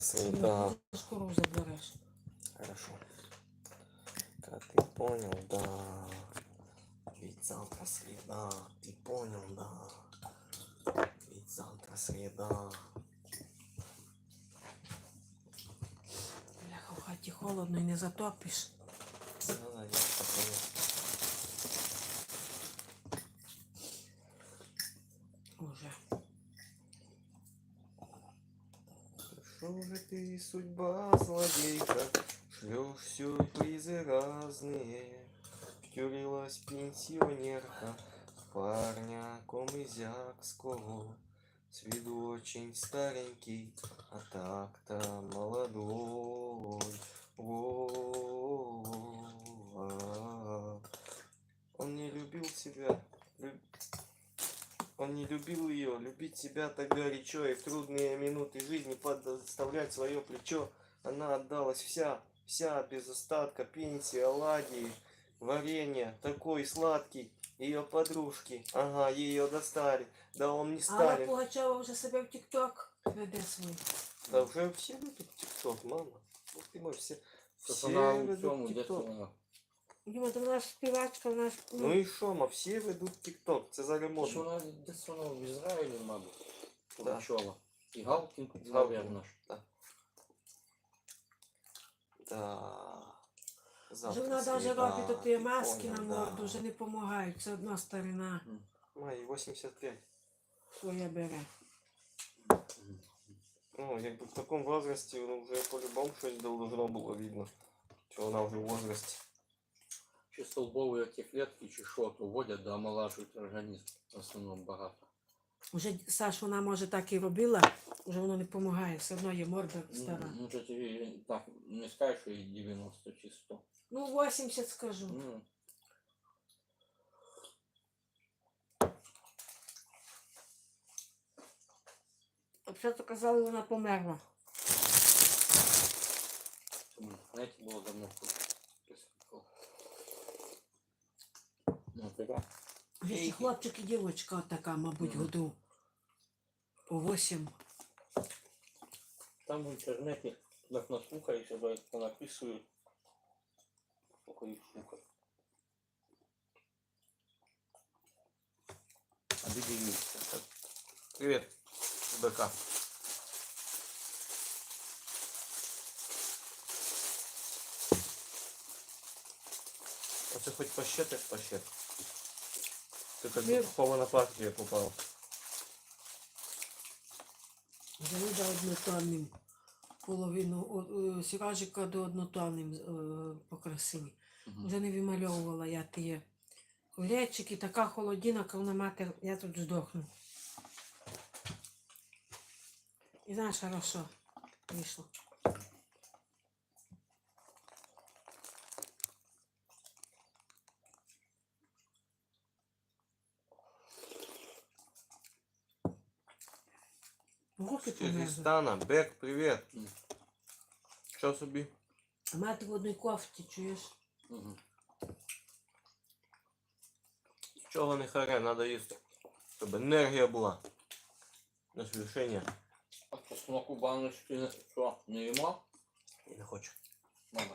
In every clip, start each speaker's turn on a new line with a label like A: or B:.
A: Среда.
B: Шкуру заберешь.
A: Хорошо. Как ты понял, да. Ведь завтра среда. Ты понял, да. Ведь завтра среда.
B: Бляха, в хаті холодно і не затопиш.
A: Да, я понял.
B: Уже.
A: Что же ты, судьба злодейка, шлешь сюрпризы разные. Втюрилась пенсионерка в парня комызякского. С виду очень старенький, а так-то молодой. Он не любил себя, он не любил ее, любить себя так горячо, и в трудные минуты жизни подставлять свое плечо. Она отдалась вся без остатка, пенсии, оладьи, варенье, такой сладкий. Ее подружки, ага, ее достали. Да он не
B: Алла
A: Сталин.
B: Пугачова вже себе в ТикТок веде свій.
A: Да уже все ведут ТикТок, мама. Ух ты мой, все
C: Вона у
A: ведут
C: цьому, де
A: ТикТок.
C: вона?
B: Діма, там наш співачка, наш...
A: Ну і що, ма, всі ведуть ТикТок, це зараз
C: Що
A: модно.
C: вона десь вона в Ізраїлі, мабуть,
A: Да.
C: Пугачова. І Галкін,
A: Галкін.
C: наверно ж.
A: Да.
B: Вже вона навіть робить такі маски на морду, вже не допомагають. Це одна старина
A: Май, 85.
B: своя бере.
A: Ну, якби в такому возрасті, ну, вже по-любому щось должно було видно. Що вона вже в возрасті.
C: Чи столбові ті клітки, чи що, то вводять, да омолажують організм. В основному багато.
B: Уже, Саш, вона може так і робила, вже воно не допомагає, все одно є морда стара.
C: Ну, то тобі так, не скажеш, що їй 90 чи 100.
B: Ну, 80 скажу.
C: Ну,
B: Взагалі казали, вона померла.
C: знаєте, було давно. Ну, тебе.
B: Ще хлопчик і дівчинка така, мабуть, году по 8.
C: Там в інтернеті, як наслухаєшся, як понаписують, сколько їх слухають. А де дивіться?
A: Привіт, БК. Оце хоч пощет, як пощет. Ти як
B: Ні.
A: попала на партію попав.
B: Завіда однотонним. Половину сіражика до однотонним покрасили. Вже не вимальовувала я ті колечики, така холодина, коли матер, я тут здохну. І знаєш, хорошо вийшло. Руки
A: З
B: померзли.
A: Киргизстана, Бек, привіт. Що собі?
B: А мати в одній кофті, чуєш?
C: Угу.
A: Чого не харе, треба їсти. Щоб енергія була. На звершення.
C: А чесноку баночки що, не їмо?
A: Я не хочу.
C: Мама.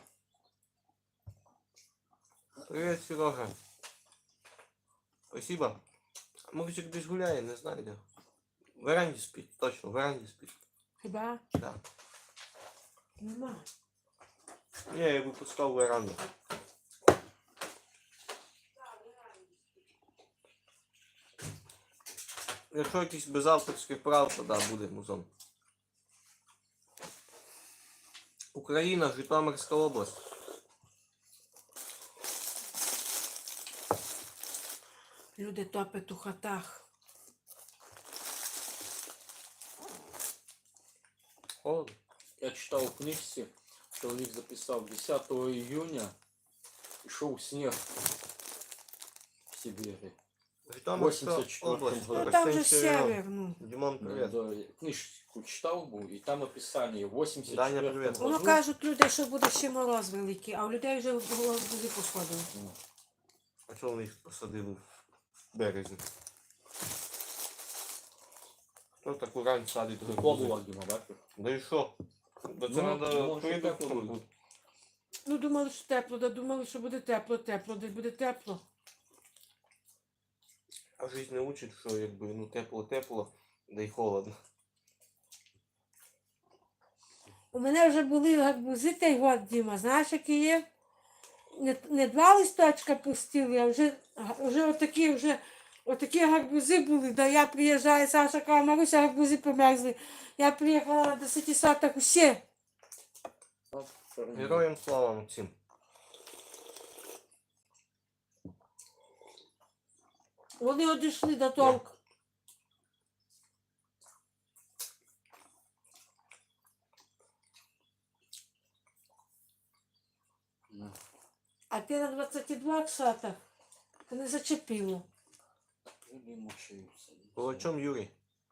A: Привіт, Сережа. Спасибо. Мужик десь гуляє, не знаю де. В веранді спить, точно, в веранді спить.
B: Хіба?
A: Да.
B: Нема.
A: Я випускав веранду. Якщо якийсь без авторських прав, то да, буде музон. Україна, Житомирська область.
B: Люди топять у хатах.
A: Холодно.
C: Я читав у книжці, чоловік записав 10 июня йшов сніг в Сибірі.
A: Житомирська
C: 84
A: область.
C: году.
B: Ну там же
A: Серега.
B: север, ну.
A: Дімон, привіт.
C: Книжку читав був, і там описання в 84
A: Даня, привіт.
B: Воно кажуть люди, що буде ще мороз великий, а у людей вже голови посходили.
A: А чого вони їх посадили в березні? Хто таку рань садить?
C: Тепло було, Діма, бачиш?
A: Да і що? Та це
C: Ну,
A: треба
C: може, тепло
A: придумати.
C: буде.
B: Ну, думали, що тепло, да думали, що буде тепло, де буде тепло.
A: А жизнь не учить, що якби ну тепло-тепло, да й холодно.
B: У мене вже були гарбузи той год, Діма, знаєш, які є? Не два листочка пустили, а вже отакі гарбузи були. Да я приїжджаю, Саша каже, Маруся, гарбузи померзли. Я приїхала на 10 соток усі.
C: От, чорні.
A: Героям слава, Максим.
B: Вони одійшли до толку.
C: Ну,
B: А ти на 22 соток, то не зачепило.
C: люди мучаються.
A: О чому Юрій?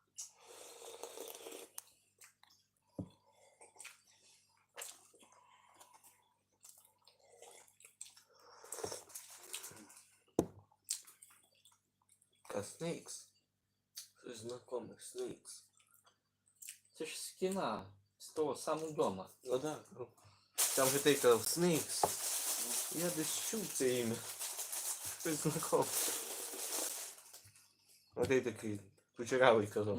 A: Снейкс. Щось знакоме, Снейкс.
C: Це ж з кіна, з того самого дома.
A: Ну да. Ну. Там же ти казав Снейкс. Я десь чув це ім'я. Щось знакоме. А ти такий кучерявий казав.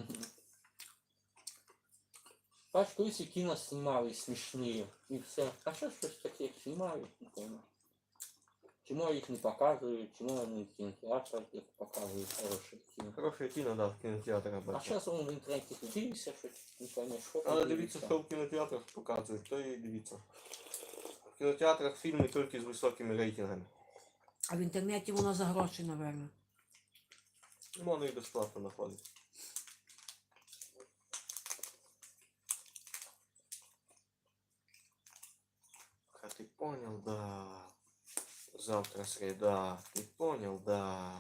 C: Бач, колись і кіно знімали смішні і все. А що щось таке знімають, не пойму. Чому їх не показують, чому вони в кінотеатрах їх показують хороше кіно.
A: Хороше кіно, да, в кінотеатрах
C: А
A: бачив.
C: зараз воно в інтернеті дивишся, що не поймеш, що
A: Але
C: там
A: дивіться, що в кінотеатрах показують, то і дивіться. В кінотеатрах фільми тільки з високими рейтингами.
B: А в інтернеті воно за гроші, напевно.
A: Воно і безплатно знаходить. А ты понял, да. Завтра среда. Ты понял, да.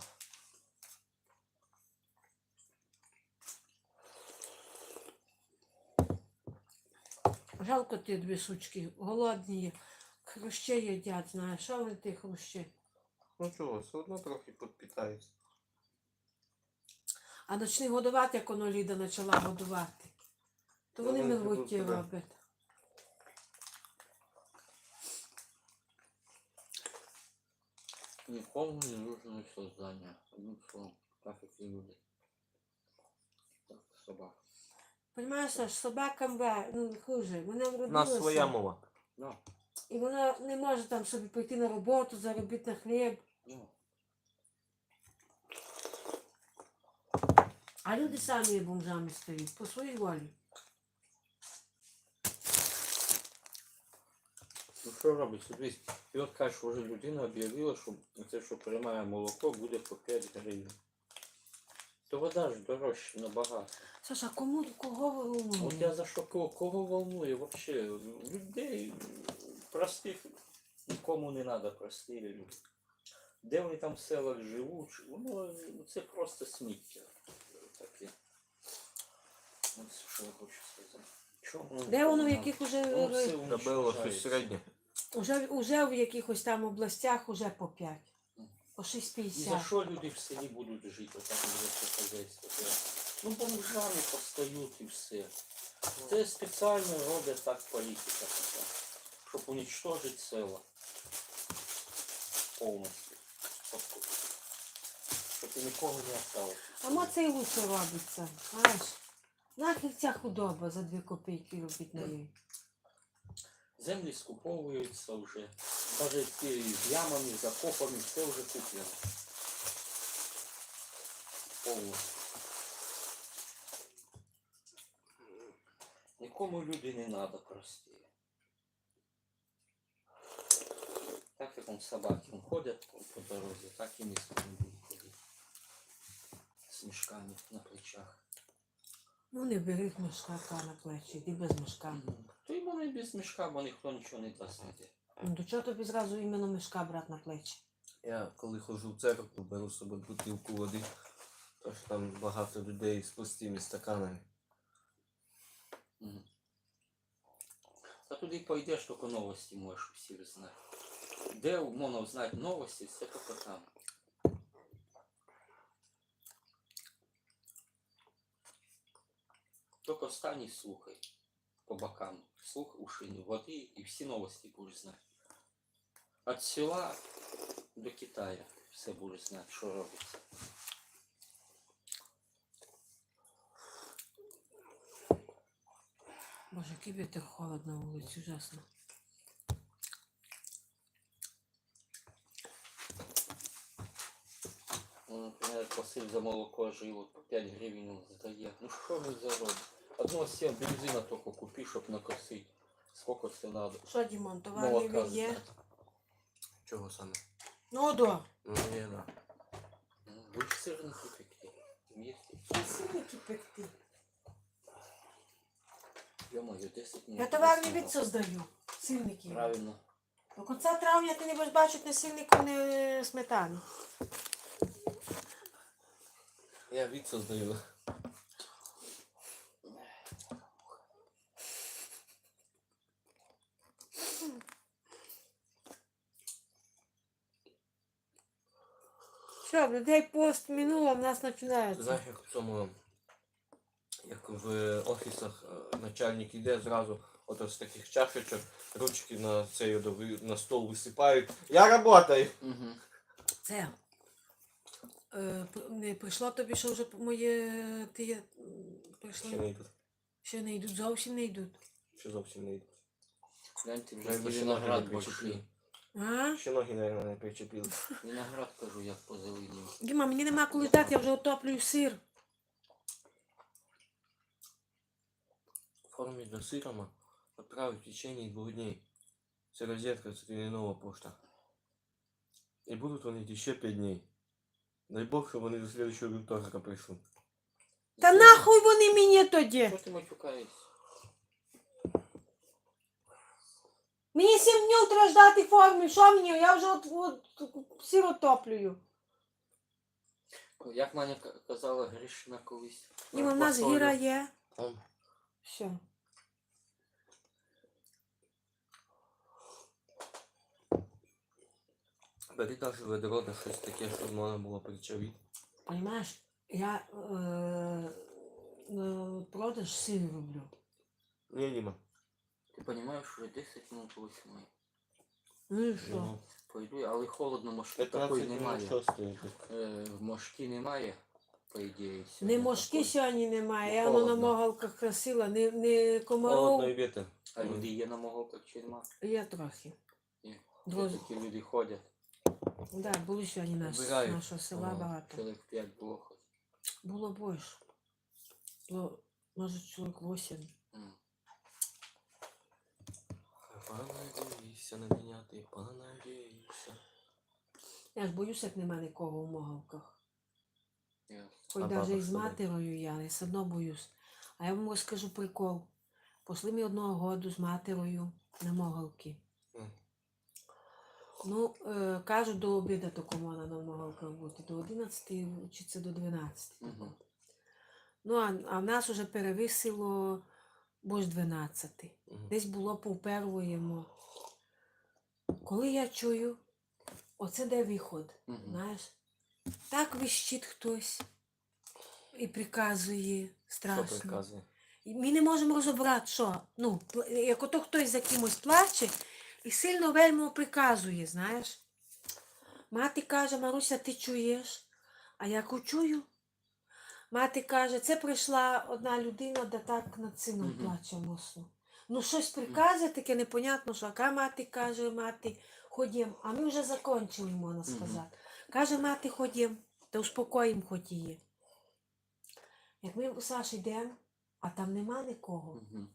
B: Жалко ті дві сучки, голодні є. Хрущі їдять, знаєш, що вони ті хрущі?
A: Ну чого, все одно трохи підпитаються.
B: А почни годувати, як воно Ліда почала годувати. То вони
A: Вони
B: милуті
A: тебе.
B: роблять.
C: Нікому не нужно создання. Одним словом, так як і люди. Так, собак.
B: Понимаєш, Саш, собакам ну, хуже. Вона
A: У нас
B: вродилася.
A: своя мова.
C: Ну,
B: І вона не може там собі пойти на роботу, заробити на хліб.
C: ну.
B: А люди самі є бомжами стають, по своїй волі.
C: Ну що робить? Дивись, і от кажеш, вже людина об'явила, що це, що приймає молоко, буде по 5 гривень. То вода ж дорожча набагато.
B: Саша, кого ви
C: От я
B: волнує?
C: за що кого волнує вообще? Людей простих нікому не треба прості люди. Де вони там в селах живуть, воно це просто сміття таке. Ось що я хочу сказати. Чому?
B: Де воно в яких
C: Воно
B: уже,
C: все
A: Та було щось
C: уничтожається.
A: середнє.
B: уже в якихось там областях уже по 5. По
C: І за
B: 6,50.
C: що люди в селі будуть жити, отак буде це хазяйство? Ну, бомжами постають і все. Це спеціально роблять так політика така, щоб уничтожити села повністю. Щоб і нікого не осталось.
B: А мо це і лучше робиться, знаєш. Нахер ця худоба за 2 копійки робить на неї.
C: Землі скуповуються вже. Навіть ті з ямами, закопами, все вже куплено. Повністю. Нікому люди не треба прості. Так як он собаки ходять по дорозі, так і ми з вами будемо ходити. З мішками на плечах.
B: Ну не бери мішка на плечі, йди без мішка.
C: То й вони без мішка, бо ніхто нічого не дасть.
B: Ну до чого тобі зразу іменно мішка брати на плечі?
A: Я коли ходжу в церкву, беру з собою бутилку води, тому що там багато людей з пустими стаканами.
C: Та туди пойдеш, тільки новості можеш всі знати. Де можна знати новості, все тільки там. Тільки встань і слухай. по бокам. Слух, уши, воды и все новости будешь знать. От села до Китая все будешь знать, что робиться.
B: Боже, який вітер холодно на вулиці, ужасно.
C: Ну, например, Василь за молоко жил, по 5 гривен он сдає. Ну що ви заробите? Одного сім бензина тільки купи, щоб накосити. Сколько це надо?
B: Що, Дімон, товарний
C: Молока
B: він є?
C: знати.
A: Чего саме?
B: Ну, до.
A: Ну, не, да.
C: Ну, ви ж сирники такі. Вместе.
B: Сильники пекти.
C: Ё-моё, 10 минут.
B: Я товарний від создаю. Сильники.
C: Правильно.
B: До кінця травня ти не будеш бачити ні сильнику, ні сметани.
A: Я вид создаю.
B: Що, в людей пост минуло, в нас починається.
A: Знаєш, як в цьому, як в офісах начальник іде зразу, от з таких чашечок, ручки на цей на стол висипають. Я работаю!
C: Угу.
B: Це. Не прийшло тобі, що вже моє ти прийшло?
A: Ще не йдуть.
B: Ще не йдуть, зовсім не йдуть.
A: Ще зовсім не йдуть.
C: Гляньте, вже
A: Навіть
C: ті
A: ще ноги не
C: виноград
A: причепили.
C: большой.
B: А?
A: Ще ноги, мабуть, не причепили.
C: Виноград, кажу, як позеленів.
B: Діма, мені нема коли ждати, я вже отоплюю сир.
A: Оформить до сирома, отправить в течение 2 дней. Це розетка, це не нова пошта. І будуть вони йти ще 5 днів. Дай Бог, щоб вони до следующего вівторка прийшли.
B: Та нахуй вони мені тоді?
C: Що ти матюкаєшся?
B: Мені 7 днів треба ждати форми, що мені? Я вже от сир отоплюю.
C: Як Маня казала, Гришина колись.
B: Діма, в нас гіра є. Все.
A: Бери каже ведро, да щось таке, щоб можна було причавити.
B: Понимаєш, я продаж сир роблю.
A: Ні, Діма.
C: Ти розумієш, вже 10 минут 8.
B: Ну і що?
A: Ну,
C: Пойду, але холодно, мошки
A: 15
C: такої
A: минут
C: немає.
A: що стоїть?
C: Мошки немає, по ідеї.
B: Не
C: сьогодні
B: мошки
C: такої.
B: сьогодні немає, я
A: Ну,
B: воно на
A: холодно.
B: могалках красила, не
A: Холодно
B: комаров.
A: і вітер.
C: А люди є на моголках чи нема?
B: Є трохи.
C: Є.
B: Друзі,
C: Такі люди ходять.
B: да, були сьогодні
A: Вбирають.
B: нашого села
A: Ага.
B: багато.
C: Чоловік 5 було хоч.
B: Було більше. Було, може, чоловік 8.
C: М.
A: Понадійся на мене, ти понадійся.
B: Я ж боюся, як нема нікого в могалках.
C: Ясно.
B: Хоч
A: А
B: навіть
A: баба
B: і з
A: що робить?
B: матерою я все одно боюсь. А я вам розкажу прикол. Пошли ми одного году з матерою на могалки.
A: М.
B: Ну, кажуть, до обіду тако можна на могалках бути. До 11 чи це до 12.
C: Мгм.
B: Ну, а в нас вже перевисило бо 12.
A: Мгм.
B: Десь було повпервуємо. Коли я чую, оце де виход,
C: Мгм.
B: знаєш, так вищить хтось і приказує
A: Що
B: страшно.
A: приказує?
B: І ми не можемо розібрати, що. Ну, як ото хтось за кимось плаче і сильно вельми приказує, знаєш. Мати каже, Маруся, ти чуєш? А я чую. Мати каже, це прийшла одна людина, де так над сином
C: Мгм.
B: плаче мосно. Ну, щось приказує таке непонятно, що. Яка мати каже, мати, ходім. А ми вже закончили, можна
C: Мгм.
B: сказати. Каже, мати, ходім, та успокоїм хоч її. Як ми у Саші йдемо, а там нема нікого.
C: Мгм.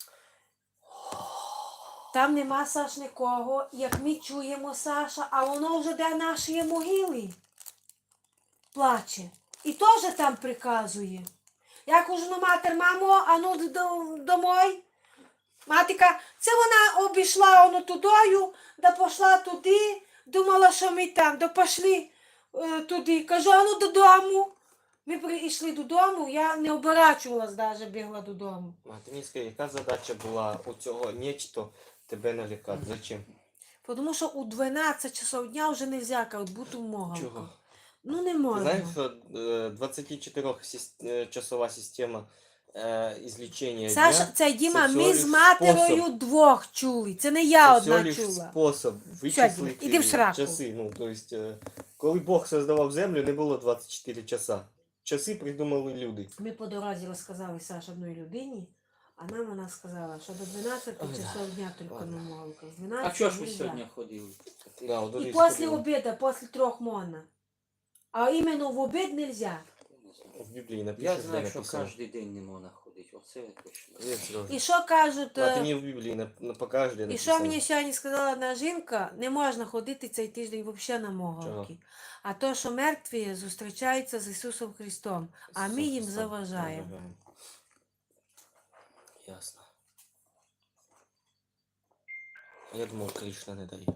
B: Там нема, Саш, нікого. Як ми чуємо, Саша, а воно вже де наші могили. Плаче. І теж там приказує. Я кажу, ну матер, мамо, а ну домой. Матика, це вона обійшла воно тудою, да пішла туди, думала, що ми там, да пішли туди. Кажу, а ну додому. Ми прийшли додому, я не оборачувалась навіть, бігла додому.
A: А ти мені скажи, яка задача була у цього нечто тебе налякати? Зачем?
B: Тому що у 12 часов дня вже не можна бути в могалках.
A: Чого?
B: Ну не
A: Ти
B: можна.
A: знаєш, що 24-часова система излечения
B: Саша,
A: дня.
B: це Діма,
A: це
B: ми
A: всього
B: з
A: лиш
B: матерою
A: спосіб.
B: двох чули. Це не я
A: Це
B: одна
A: всього лиш
B: чула.
A: спосіб
B: Діма,
A: вичислити
B: іди в сраку.
A: часи. Ну, то есть, коли Бог создавав землю, не було 24 часа. Часи придумали люди.
B: Ми по дорозі розказали Саш одній людині, а нам вона сказала, що до 12
A: Ой, да.
B: часов дня тільки
A: Ладно.
B: на молоках. З
C: А
B: 12
C: чого ж ви
B: нельзя.
C: сьогодні ходили?
A: Да, вот
B: І
A: здесь
B: після
A: ходили.
B: обіду, після 3 можна. А іменно в обід нельзя.
A: В Библии написано,
C: Я
A: где
C: знаю, що
A: написано.
C: кожен день не можна ходити. Оце точно.
A: Нет, Сережа.
B: І що кажуть,
A: А ты не в Библии, покажешь, где
B: і
A: написано.
B: що мені сьогодні сказала одна жінка, не можна ходити цей тиждень взагалі на могилки. А то, що мертві зустрічаються з Ісусом Христом, а ми їм
A: Собственно,
B: заважаємо.
A: заважаємо. Ясно. А я думал, Кришна не дає.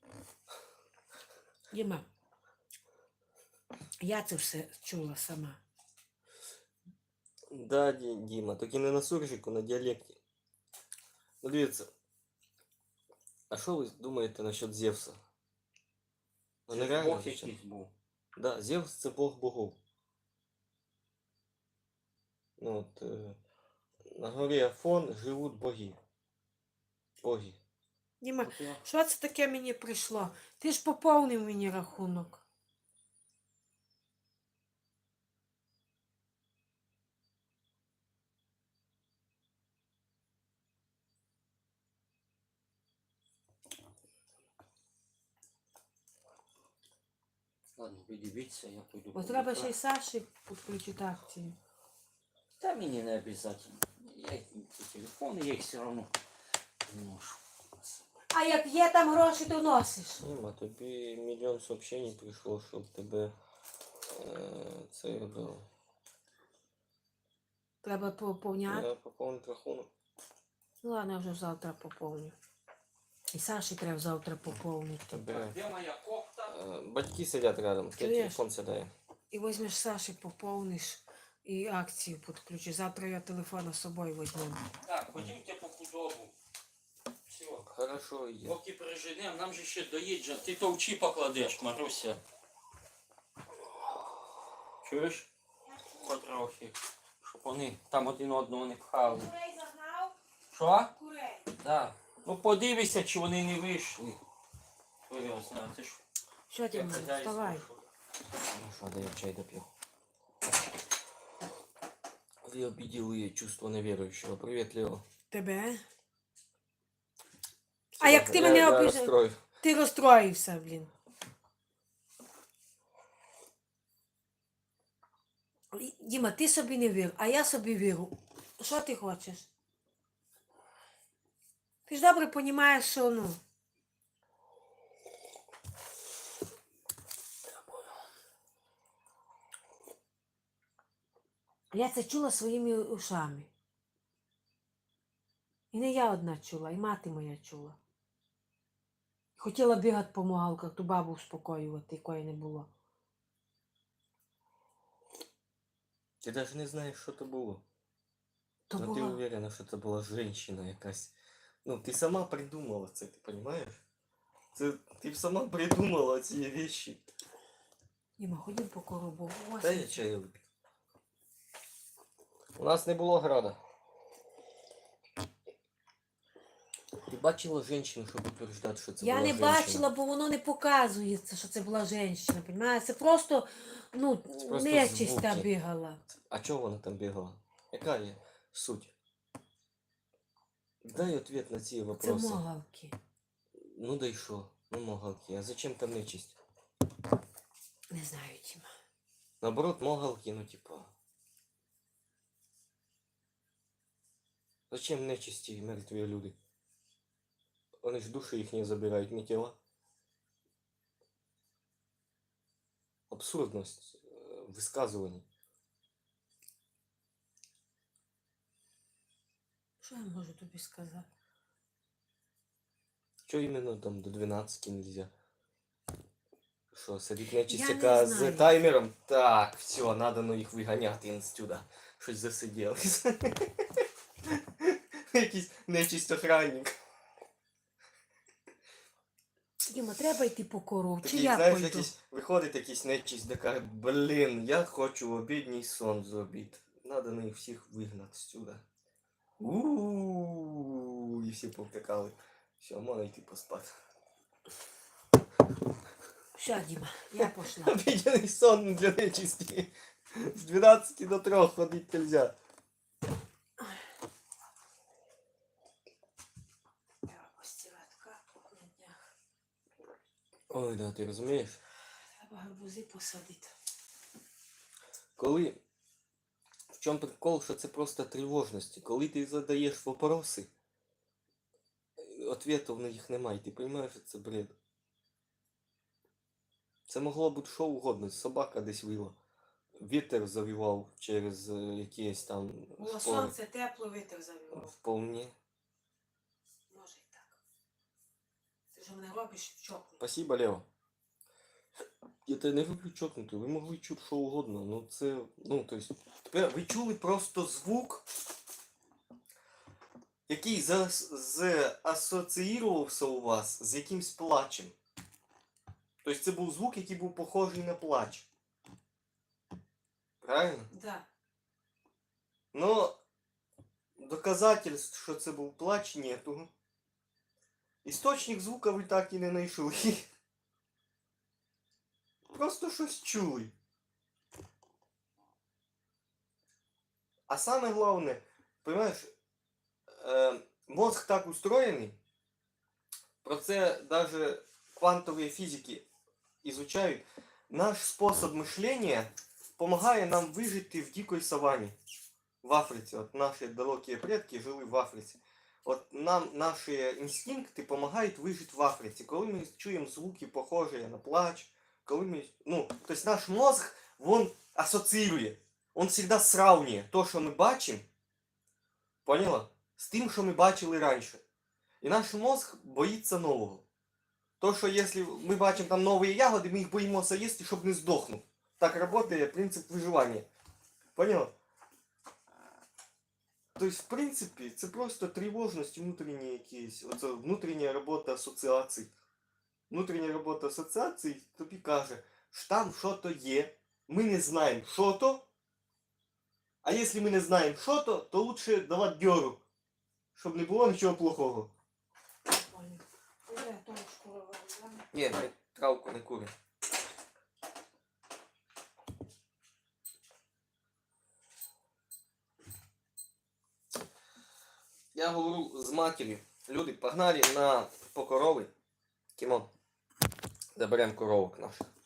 B: Діма, я це все чула сама.
A: Да, Діма, тільки не на суржику, на діалекті. Ну, дивіться. А що ви думаєте насчет Зевса? Ну,
C: Це
A: нереально
C: Бог
A: звучить.
C: якийсь був.
A: Да, Зевс це Бог богов. Ну, от, на горі Афон живуть боги. Боги.
B: Діма,
C: От я-
B: що це таке мені прийшло? Ти ж поповнив мені рахунок.
C: Ладно, ви дивіться, я пойду.
B: Бо треба ще й
C: повідаю.
B: Саші підключити акцію.
C: Та мені не обов'язково. Я ці телефони, я їх все одно ношу.
B: А як є там гроші, то носиш.
A: Діма, тобі мільйон сообщень прийшло, щоб тебе це робило.
B: Треба поповняти.
A: Я поповнити рахунок.
B: Ну ладно, я вже завтра поповню. І Саші треба завтра поповнити.
A: Тебе
C: Де моя кофта?
A: батьки сидять рядом, твій
B: Чуєш?
A: телефон сідає.
B: І візьмеш Саші, поповниш і акцію підключиш. Завтра я телефон з собою візьму.
C: Так, ходімте по худобу. Все.
A: Хорошо, є.
C: Поки переженемо, нам же ще доїджа. Ти товчі покладеш, Маруся. Чуєш? Потрохи. Щоб вони там один одного не пхали.
B: Курей загнав?
C: Що?
B: Курей.
C: Так. Ну подивися, чи вони не вийшли. Хто його знає, ти ж
B: Що ти
C: як
B: мені?
C: хазяйство,
B: Вставай.
C: що?
A: Ну що, да я чай доп'ю. Вы обидели чувство неверующего. Привет, Лео.
B: Тебе? А як ти
A: Я-
B: мене
A: я
B: обіжав?
A: розстроїв.
B: Ти розстроївся, блін. Діма, ти собі не вір, а я собі вірю. Що ти хочеш? Ти ж добре розумієш, що ну. Я це чула своїми ушами. І не я одна чула, і мати моя чула. Хотіла бігати по могалках, ту бабу успокоювати, якої не було.
A: Ти навіть не знаєш, що це було.
B: То
A: Но ти
B: була...
A: уверена, що це була жінка якась. Ну, ти сама придумала це, ти розумієш? Це ти сама придумала ці речі.
B: Діма, ходім по коробу.
A: Дай я чаю вип'ю. У нас не було града. Ти бачила жінку, щоб утверждати, що це
B: Я
A: була
B: не
A: жінка?
B: бачила, бо воно не показується, що це була жінка, розумієш? Це просто, ну,
A: просто
B: нечиста
A: звуки.
B: бігала.
A: А чого вона там бігала? Яка є суть? Дай ответ на ці
B: Це
A: вопроси.
B: могалки.
A: Ну да й що? Ну могалки. А зачем там нечисть?
B: Не знаю, Діма.
A: Наоборот, могалки, ну типа. Зачем нечисті і мертві люди? Вони ж душі їх не забирають, не тіла. Абсурдність висказувань.
B: Що я можу тобі сказати?
A: Чого іменно там до 12 нельзя? Що, сидить нечисть,
B: Я не
A: яка
B: знаю.
A: з таймером? Так, все, надо ну їх виганяти інстюда. Щось засиділись. Якийсь нечисть охранник.
B: Діма, треба йти по корову, чи
A: Такий,
B: я
A: знаєш,
B: пойду?
A: якийсь, виходить якийсь нечисть, така, блін, я хочу обідній сон зробити. Надо на них всіх вигнати сюди. У-у-у, і всі повтикали. Все, можна йти поспати.
B: Все, Діма, я пошла.
A: Обіденний сон для нечисті. З 12 до 3 ходить нельзя.
B: Треба постирати карту на днях.
A: Ой, да, ти розумієш?
B: Треба гарбузи посадити.
A: Коли... В чому прикол, що це просто тривожності. Коли ти задаєш вопроси, ответів на їх немає. Ти розумієш, що це бред. Це могло бути що угодно. Собака десь вила. Вітер завівав через якісь там
B: Було
A: спори.
B: сонце, тепло, вітер завівав.
A: Вполне.
B: Може і так. Ти ж мене робиш чокнути.
A: Спасибо, Лео. Я тебе не люблю чокнути. Ви могли чути що угодно. Ну це. Ну, то есть. Тепер ви чули просто звук, який асоціювався у вас з якимсь плачем. Тобто це був звук, який був похожий на плач. Правильно?
B: Да.
A: Но доказательств, що це був плач, нету. Істочник звука ви так і не знайшли. Просто щось чули. А саме головне, понимаешь, мозг так устроєний, про це даже квантові фізики изучають, наш спосіб мишлення помагає нам вижити в дикій савані. В Африці. От наші далекі предки жили в Африці. От нам наші інстинкти допомагають вижити в Африці. Коли ми чуємо звуки, похожі на плач, коли ми... Ну, то есть наш мозг, він асоціює. Он всегда сравнює то, що ми бачимо, поняла? З тим, що ми бачили раніше. І наш мозг боїться нового. То, що якщо ми бачимо там нові ягоди, ми їх боїмося їсти, щоб не здохнути. Так працює принцип виживання. Поняла? Тобто, в принципі, це просто тривожність внутрішні якісь. Оце внутрішня робота асоціацій. Внутрішня робота асоціацій тобі каже, що там що-то є, ми не знаємо, що то. А якщо ми не знаємо, що то лучше давати дьору, щоб не було нічого плохого.
B: Понял. Уже тому школа вирізала.
A: Ні, ми травку не куримо. Я говорю з матір'ю. Люди, погнали по корови. Кімон. Заберемо коровок наших.